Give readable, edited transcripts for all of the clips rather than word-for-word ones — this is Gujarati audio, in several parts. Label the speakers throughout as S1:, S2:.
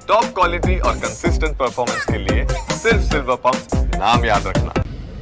S1: टॉप क्वालिटी और कंसिस्टेंट परफॉर्मेंस के लिए सिर्फ सिल्वर पंप नाम याद रखना।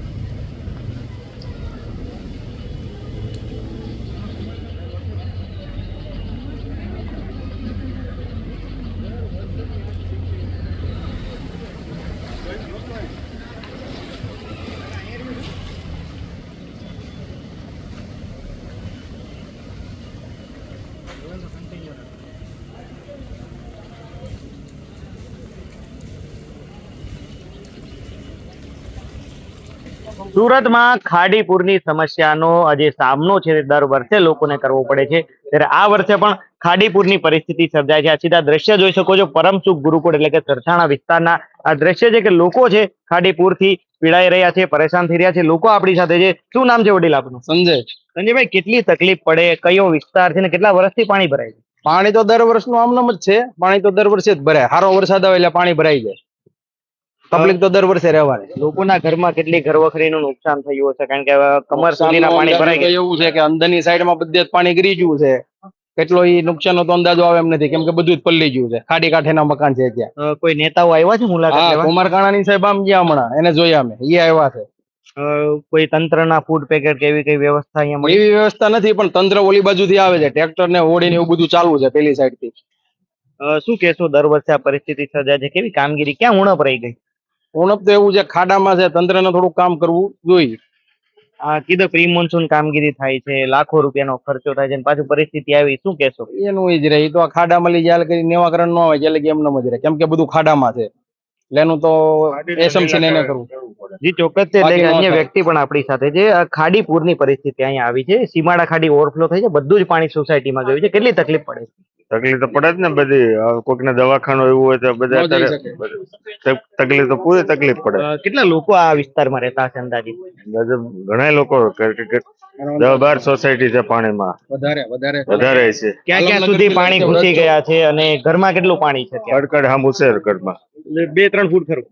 S2: સુરતમાં ખાડી પૂરની સમસ્યાનો જે સામનો છે તે દર વર્ષે લોકોને કરવો પડે છે, ત્યારે આ વર્ષે પણ ખાડી પૂરની પરિસ્થિતિ સર્જાય છે। આ સીધા દ્રશ્ય જોઈ શકો છો, પરમસુખ ગુરુકુળ એટલે કે સરથાણા વિસ્તારના આ દ્રશ્ય છે કે લોકો છે ખાડી પૂરથી પીડાઈ રહ્યા છે, પરેશાન થઈ રહ્યા છે। લોકો આપણી સાથે છે। શું નામ છે વડીલ આપનું?
S3: સંજય।
S2: સંજયભાઈ, કેટલી તકલીફ પડે, કયો વિસ્તાર છે ને કેટલા વર્ષથી પાણી ભરાય છે?
S3: પાણી તો દર વર્ષનું આમનામ જ છે। પાણી તો દર વર્ષે જ ભરાય, સારો વરસાદ આવે એટલે પાણી ભરાઈ જાય। તકલીફ તો દર વર્ષે રહેવાની।
S2: લોકોના ઘરમાં કેટલી ઘરવખરીનું નુકસાન થયું હશે, કારણ કે કમર સુધીના પાણી ભરાઈ ગયા।
S3: એવું છે કે અંદરની સાઈડમાં બધે જ પાણી ગરી ગયું છે। કેટલો ઈ નુકસાનનો તો અંદાજો આવે એમ નથી, કેમ કે બધું જ પલ્લી ગયું છે। ખાડી કાંઠેના મકાન છે ત્યાં।
S2: કોઈ નેતાઓ આવ્યા છે મુલાકાત
S3: હા,
S2: લેવા?
S3: કુમારકાણાની સાહેબ આમ ગયા હમણાં, એને જોયા અમે, એ આવ્યા છે।
S2: કોઈ તંત્રના ફૂડ પેકેટ કે એવી કઈ વ્યવસ્થા અહીંયા મળી?
S3: એવી વ્યવસ્થા નથી, પણ તંત્ર ઓલી બાજુથી આવે છે, ટ્રેક્ટર ને હોડી ને એવું બધું ચાલુ છે પેલી સાઈડ થી।
S2: શું કહેશો, દર વર્ષે આ પરિસ્થિતિ સર્જાય છે, કેવી કામગીરી, ક્યાં ઉણપ રહી ગઈ?
S3: ઉણપ તો એવું છે, ખાડામાં છે, તંત્રને થોડુંક કામ કરવું જોઈએ।
S2: આ કીધું પ્રી મોન્સૂન કામગીરી થાય છે, લાખો રૂપિયાનો ખર્ચો થાય છે, અને પાછું પરિસ્થિતિ આવી, શું કહેશો?
S3: એનું જ રહે, તો આ ખાડામાં લઈ જાય કરી નિવાકરણ ન હોય એટલે કે એમને જ રહે, કેમ કે બધું ખાડામાં છે એટલે એનું તો એસએમસી ને એને કરવું।
S2: જી ચોક્કસ છે, એટલે કે અન્ય વ્યક્તિ પણ આપણી સાથે છે। આ ખાડી પૂરની પરિસ્થિતિ અહીંયા આવી છે, સીમાડા ખાડી ઓવરફ્લો થઈ છે, બધું જ પાણી સોસાયટીમાં ગયું છે, કેટલી તકલીફ પડે છે?
S4: તકલીફ તો પડે જ ને બધી। કોઈકને દવાખાનું એવું હોય તો બધા તકલીફ તો પૂરી તકલીફ પડે।
S2: કેટલા લોકો આ વિસ્તારમાં રહેતા હશે અંદાજિત?
S4: ઘણા લોકો 10-12 સોસાયટી છે પાણીમાં, વધારે છે।
S2: ક્યાં ક્યાં સુધી પાણી ઘૂસી ગયા છે અને ઘરમાં કેટલું પાણી છે?
S4: કડકડ હામું છે ઘરમાં,
S2: 2-3 ફૂટ ખરું?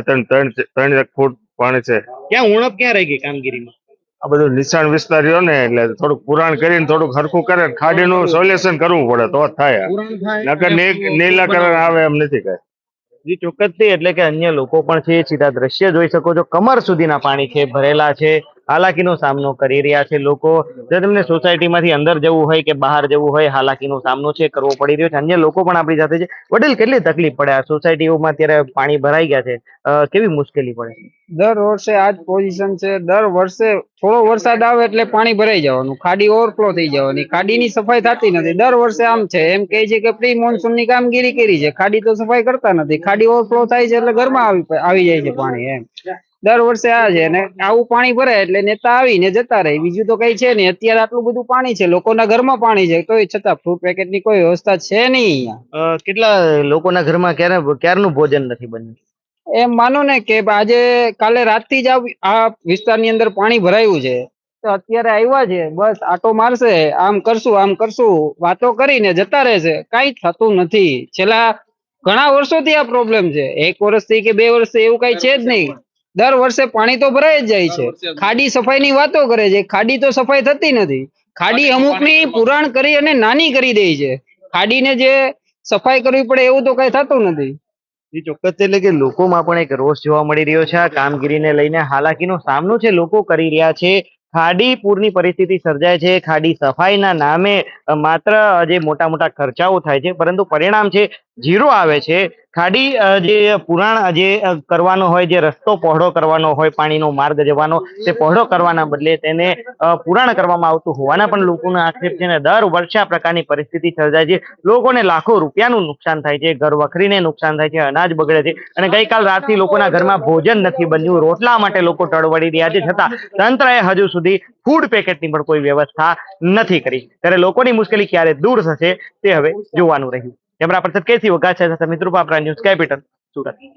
S4: 2-3 ફૂટ પાણી છે।
S2: ક્યાં ઉણપ ક્યાં રહી ગઈ કામગીરીમાં?
S4: આ બધું નિશાન વિસ્તાર રહ્યો ને, એટલે થોડુંક પુરાણ કરીને થોડુંક હરખું કરે, ખાડીનું સોલ્યુશન કરવું પડે તો જ થાય। નકર નીલાકરણ આવે એમ નથી કઈ।
S2: જી ચોક્કસથી, એટલે કે અન્ય લોકો પણ છે, સીધા દ્રશ્ય જોઈ શકો છો, કમર સુધીના પાણી છે ભરેલા છે, હાલાકીનો સામનો કરી રહ્યા છે લોકો। જો તેમને સોસાયટીમાંથી અંદર જવું હોય કે બહાર જવું હોય, હાલાકીનો સામનો છે કરવો પડી રહ્યો છે। અન્ય લોકો પણ આપણી સાથે છે। વડીલ, કેટલી તકલીફ પડે આ સોસાયટીઓમાં? અત્યારે પાણી ભરાઈ ગયા છે, કેવી મુશ્કેલી પડે?
S5: દર વર્ષે આ જ પોઝિશન છે। દર વર્ષે થોડો વરસાદ આવે એટલે પાણી ભરાઈ જવાનું, ખાડી ઓવરફ્લો થઈ જવાની, ખાડીની સફાઈ થતી નથી। દર વર્ષે આમ છે, એમ કહે છે કે પ્રી મોન્સૂન ની કામગીરી કરી છે, ખાડી તો સફાઈ કરતા નથી, ખાડી ઓવરફ્લો થાય છે એટલે ઘરમાં આવી જાય છે પાણી, એમ દર વર્ષે આ છે। અને આવું પાણી ભરાય એટલે નેતા આવીને જતા રહે, બીજું તો કઈ છે નહીં। અત્યારે આટલું બધું પાણી છે, લોકોના ઘરમાં પાણી છે, તોય છતાં ફ્રૂટ પેકેટ ની કોઈ વ્યવસ્થા છે નહીં અહીંયા।
S2: કેટલા લોકોના ઘરમાં ક્યારનું ભોજન નથી બન્યું?
S5: એમ માનો ને કે આજે કાલે રાતથી જ આ વિસ્તારની અંદર પાણી ભરાયું છે, તો અત્યારે આવ્યા છે, બસ આટો મારશે, આમ કરશું વાતો કરીને જતા રહેશે, કઈ થતું નથી। છેલ્લા ઘણા વર્ષોથી આ પ્રોબ્લેમ છે, 1 વર્ષથી કે 2 વર્ષથી એવું કઈ છે જ નહીં। દર વર્ષે પાણી તો ભરાઈ જ જાય છે, ખાડી સફાઈ ની વાતો કરે છે, ખાડી તો સફાઈ થતી નથી। ખાડી અમુકની પુરાણ કરી અને નાની કરી દે છે, ખાડીને જે સફાઈ કરવી પડે એવું તો કઈ થતું નથી।
S2: એ ચોક્કસ, એટલે કે લોકોમાં પણ એક રોષ જોવા મળી રહ્યો છે આ કામગીરીને લઈને। હાલાકીનો સામનો છે લોકો કરી રહ્યા છે। ખાડી પૂરની પરિસ્થિતિ સર્જાય છે, ખાડી સફાઈના નામે માત્ર જે મોટા મોટા ખર્ચાઓ થાય છે, પરંતુ પરિણામ છે ઝીરો આવે છે। ખાડી જે પુરાણ જે કરવાનો હોય, જે રસ્તો પહોળો કરવાનો હોય, પાણીનો માર્ગ જવાનો, તે પહોળો કરવાના બદલે તેને પુરાણ કરવામાં આવતું હોવાના પણ લોકોનો આક્ષેપ છે। ને દર વર્ષે આ પ્રકારની પરિસ્થિતિ સર્જાય છે, લોકોને લાખો રૂપિયાનું નુકસાન થાય છે, ઘર વખરીને નુકસાન થાય છે, અનાજ બગડે છે, અને ગઈકાલ રાતથી લોકોના ઘરમાં ભોજન નથી બન્યું, રોટલા માટે લોકો ટળવળી રહ્યા છે, છતાં તંત્રએ હજુ સુધી ફૂડ પેકેટની પણ કોઈ વ્યવસ્થા નથી કરી। ત્યારે લોકોની મુશ્કેલી ક્યારે દૂર થશે તે હવે જોવાનું રહ્યું। કેમેરા પર્સન કેસી વઘાસિયા સાથે મિત્રો પાપરા, ન્યૂઝ કેપિટલ, સુરત।